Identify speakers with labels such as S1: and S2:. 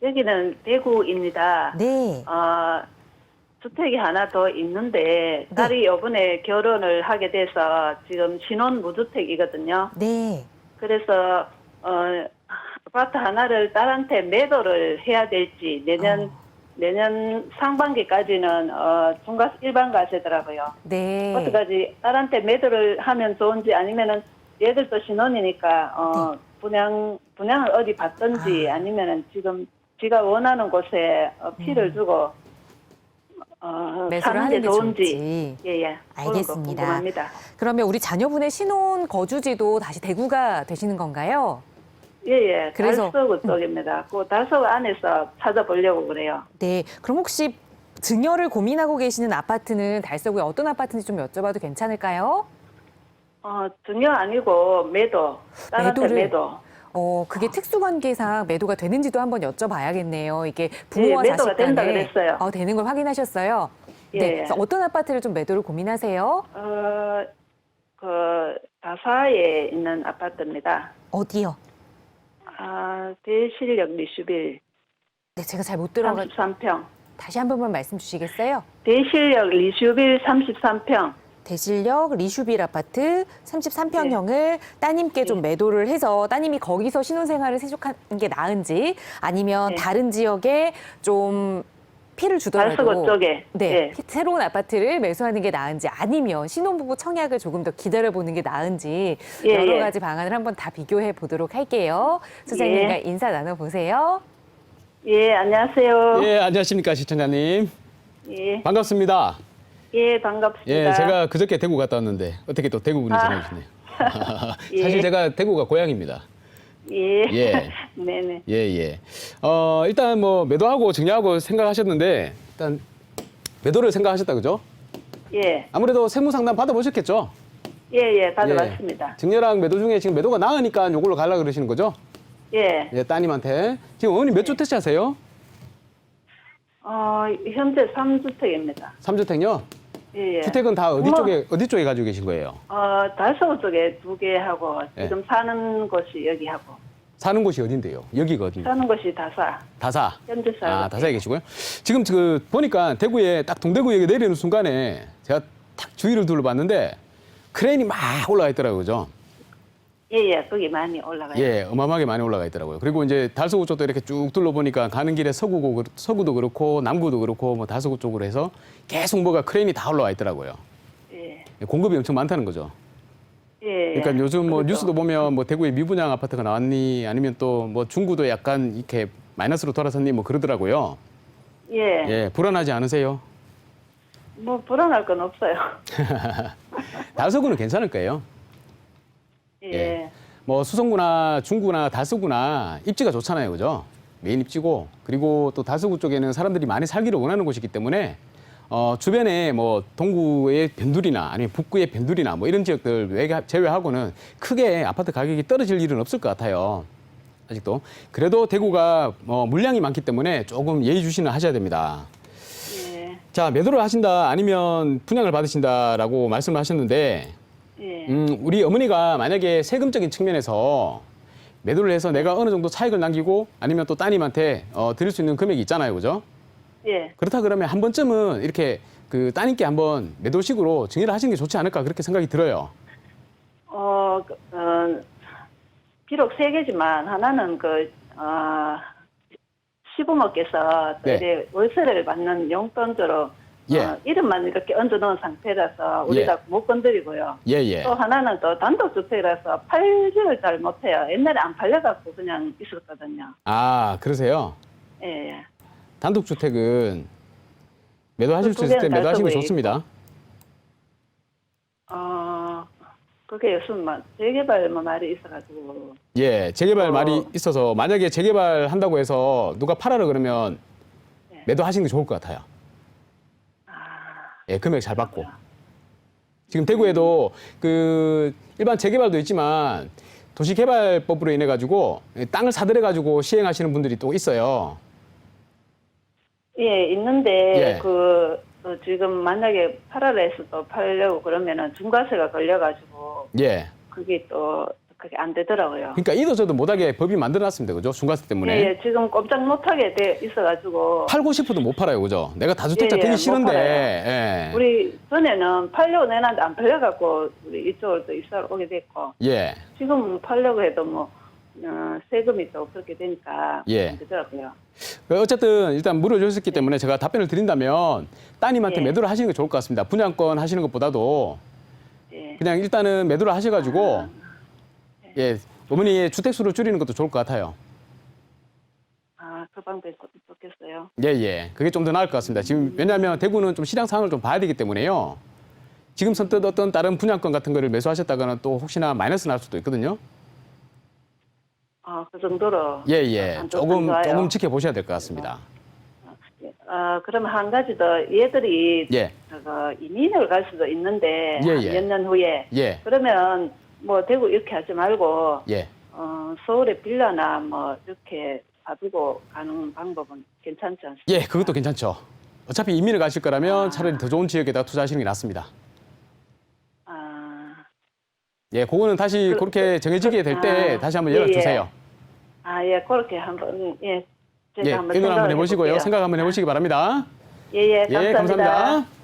S1: 여기는 대구입니다.
S2: 네.
S1: 주택이 하나 더 있는데 딸이 이번에 결혼을 하게 돼서 지금 신혼 무주택이거든요.
S2: 네.
S1: 그래서 아파트 하나를 딸한테 매도를 해야 될지 내년 상반기까지는 중과 일반가세더라고요.
S2: 네.
S1: 어떡하지? 딸한테 매도를 하면 좋은지 아니면은 얘들도 신혼이니까 분양을 어디 받든지 아니면은 지금 지가 원하는 곳에 피를 주고
S2: 매수를
S1: 사는
S2: 하는
S1: 게
S2: 게
S1: 좋은지
S2: 좋을지.
S1: 예예
S2: 알겠습니다.
S1: 궁금합니다.
S2: 그러면 우리 자녀분의 신혼 거주지도 다시 대구가 되시는 건가요?
S1: 예예
S2: 그래서-
S1: 달서구 쪽입니다. 그 달서구 안에서 찾아보려고 그래요.
S2: 네. 그럼 혹시 증여를 고민하고 계시는 아파트는 달서구에 어떤 아파트인지 좀 여쭤봐도 괜찮을까요?
S1: 증여 아니고 매도 딸한테
S2: 매도를?
S1: 매도.
S2: 그게 특수관계상 매도가 되는지도 한번 여쭤봐야겠네요. 이게 부모와
S1: 예, 매도가
S2: 자식
S1: 된다
S2: 간에
S1: 그랬어요.
S2: 되는 걸 확인하셨어요?
S1: 예.
S2: 네. 그래서 어떤 아파트를 좀 매도를 고민하세요?
S1: 그 다사에 있는 아파트입니다.
S2: 어디요?
S1: 대실역 리슈빌
S2: 네, 제가 잘 못 들어가.
S1: 33평.
S2: 다시 한 번만 말씀 주시겠어요?
S1: 대실역 리슈빌 33평.
S2: 대실역 리슈빌 아파트 33평형을 따님께 좀 매도를 해서 따님이 거기서 신혼생활을 세속하는 게 나은지 아니면 다른 지역에 좀 피를 주더라도
S1: 달서구 쪽에.
S2: 네, 새로운 아파트를 매수하는 게 나은지 아니면 신혼부부 청약을 조금 더 기다려보는 게 나은지 여러 가지 방안을 한번 다 비교해 보도록 할게요. 소장님과 인사 나눠보세요.
S1: 예, 안녕하세요.
S3: 예, 안녕하십니까, 시청자님.
S1: 예,
S3: 반갑습니다.
S1: 예, 반갑습니다.
S3: 예, 제가 그저께 대구 갔다 왔는데 어떻게 또 대구 분이 전해 주시네요.
S1: 예.
S3: 사실 제가 대구가 고향입니다.
S1: 예.
S3: 예.
S1: 네네.
S3: 예, 예. 일단 뭐 매도하고 증여하고 생각하셨는데 일단 매도를 생각하셨다 그죠?
S1: 예.
S3: 아무래도 세무 상담 받아보셨겠죠?
S1: 예, 받아봤습니다.
S3: 증여랑 매도 중에 지금 매도가 나으니까 요걸로 가려고 그러시는 거죠?
S1: 예.
S3: 예, 따님한테. 지금 어머니 몇 주택 사세요?
S1: 현재 3주택입니다.
S3: 3주택요?
S1: 예, 예.
S3: 주택은 다 어디 쪽에 가지고 계신 거예요?
S1: 달서구 쪽에 2개 하고,
S3: 예.
S1: 지금 사는 곳이 여기 하고,
S3: 사는 곳이 어딘데요? 여기가 어딘데?
S1: 사는 곳이 다사.
S3: 다사.
S1: 현재 살고.
S3: 다사에 계시고요. 지금 보니까 대구에 딱 동대구역에 내리는 순간에 제가 딱 주위를 둘러봤는데 크레인이 막 올라가 있더라고요. 그죠?
S1: 예, 거기 많이 올라가요.
S3: 예, 어마어마하게 많이 올라가 있더라고요. 그리고 이제 달서구 쪽도 이렇게 쭉 둘러보니까 가는 길에 서구도 그렇고 남구도 그렇고 뭐 달서구 쪽으로 해서 계속 뭐가 크레인이 다 올라와 있더라고요.
S1: 예.
S3: 공급이 엄청 많다는 거죠.
S1: 예.
S3: 그러니까 요즘 뭐
S1: 그렇죠.
S3: 뉴스도 보면 뭐 대구에 미분양 아파트가 나왔니 아니면 또 뭐 중구도 약간 이렇게 마이너스로 돌아섰니 뭐 그러더라고요.
S1: 예.
S3: 예, 불안하지 않으세요?
S1: 뭐, 불안할 건 없어요.
S3: 달서구는 괜찮을 거예요.
S1: 예.
S3: 뭐 수성구나 중구나 달서구나 입지가 좋잖아요, 그죠? 메인 입지고 그리고 또 달서구 쪽에는 사람들이 많이 살기를 원하는 곳이기 때문에 주변에 뭐 동구의 변두리나 아니면 북구의 변두리나 뭐 이런 지역들 제외하고는 크게 아파트 가격이 떨어질 일은 없을 것 같아요. 아직도. 그래도 대구가 물량이 많기 때문에 조금 예의주시는 하셔야 됩니다.
S1: 예.
S3: 자, 매도를 하신다 아니면 분양을 받으신다라고 말씀을 하셨는데
S1: 예.
S3: 우리 어머니가 만약에 세금적인 측면에서 매도를 해서 내가 어느 정도 차익을 남기고 아니면 또 따님한테 드릴 수 있는 금액이 있잖아요. 그죠?
S1: 예.
S3: 그렇다 그러면 한 번쯤은 이렇게 그 따님께 한번 매도식으로 증여를 하시는 게 좋지 않을까 그렇게 생각이 들어요.
S1: 비록 3개지만 하나는 시부모께서
S3: 네.
S1: 이제 월세를 받는 용돈으로
S3: 예.
S1: 이름만 이렇게 얹어놓은 상태라서 우리가 못 건드리고요.
S3: 예, 예.
S1: 또 하나는 또 단독주택이라서 팔지를 잘 못해요. 옛날에 안 팔려갖고 그냥 있었거든요.
S3: 아, 그러세요?
S1: 예, 예.
S3: 단독주택은 매도하실
S1: 그
S3: 수 있을 때
S1: 두 개는
S3: 매도하시는 게
S1: 달서구에
S3: 좋습니다.
S1: 그게 무슨 재개발 말이 있어가지고.
S3: 예, 재개발 말이 있어서 만약에 재개발 한다고 해서 누가 팔아라 그러면 매도하시는 게 좋을 것 같아요. 예, 금액 잘 받고. 지금 대구에도 일반 재개발도 있지만 도시개발법으로 인해 가지고 땅을 사들여 가지고 시행하시는 분들이 또 있어요.
S1: 예, 있는데
S3: 예.
S1: 지금 만약에 팔아라 해서 또 팔려고 그러면은 중과세가 걸려가지고
S3: 예.
S1: 그게 또 그게 안 되더라고요.
S3: 그러니까 이도 저도 못하게 법이 만들어놨습니다. 그죠? 중과세 때문에.
S1: 예, 지금 꼼짝 못하게 돼 있어가지고.
S3: 팔고 싶어도 못 팔아요. 그죠? 내가 다주택자
S1: 예,
S3: 되기
S1: 못
S3: 싫은데.
S1: 팔아요.
S3: 예.
S1: 우리 전에는 팔려고 내놨는데 안 팔려갖고 우리 이쪽으로 또 이사를 오게 됐고
S3: 예.
S1: 지금 팔려고 해도 뭐 세금이 또 그렇게 되니까
S3: 예.
S1: 안 되더라고요.
S3: 어쨌든 일단 물어주셨기 때문에 제가 답변을 드린다면 따님한테
S1: 예.
S3: 매도를 하시는 게 좋을 것 같습니다. 분양권 하시는 것보다도
S1: 예.
S3: 그냥 일단은 매도를 하셔가지고 예 어머니의 주택수를 줄이는 것도 좋을 것 같아요.
S1: 그 방법이 좋겠어요.
S3: 예. 그게 좀 더 나을 것 같습니다. 지금 왜냐하면 대구는 좀 시장 상황을 좀 봐야 되기 때문에요. 지금 선뜻 어떤 다른 분양권 같은 거를 매수하셨다가는 또 혹시나 마이너스 날 수도 있거든요.
S1: 그 정도로.
S3: 예.
S1: 안
S3: 조금
S1: 좋아요.
S3: 지켜보셔야 될 것 같습니다.
S1: 그러면 한 가지 더 얘들이
S3: 예.
S1: 이민을 갈 수도 있는데
S3: 예.
S1: 몇 년 후에
S3: 예.
S1: 그러면 뭐 대구 이렇게 하지 말고
S3: 예.
S1: 서울에 빌라나 뭐 이렇게 사두고 가는 방법은 괜찮지 않습니까?
S3: 예, 그것도 괜찮죠. 어차피 이민을 가실 거라면 차라리 더 좋은 지역에다 투자하시는 게 낫습니다. 예, 그거는 다시 그렇게 정해지게 될 때 다시 한번 연락 주세요.
S1: 그렇게 한번 제가
S3: 예,
S1: 한번
S3: 의논 한번
S1: 생각을
S3: 해보시고요.
S1: 해볼게요.
S3: 생각 한번 해보시기 바랍니다.
S1: 예,
S3: 예,
S1: 감사합니다.
S3: 감사합니다.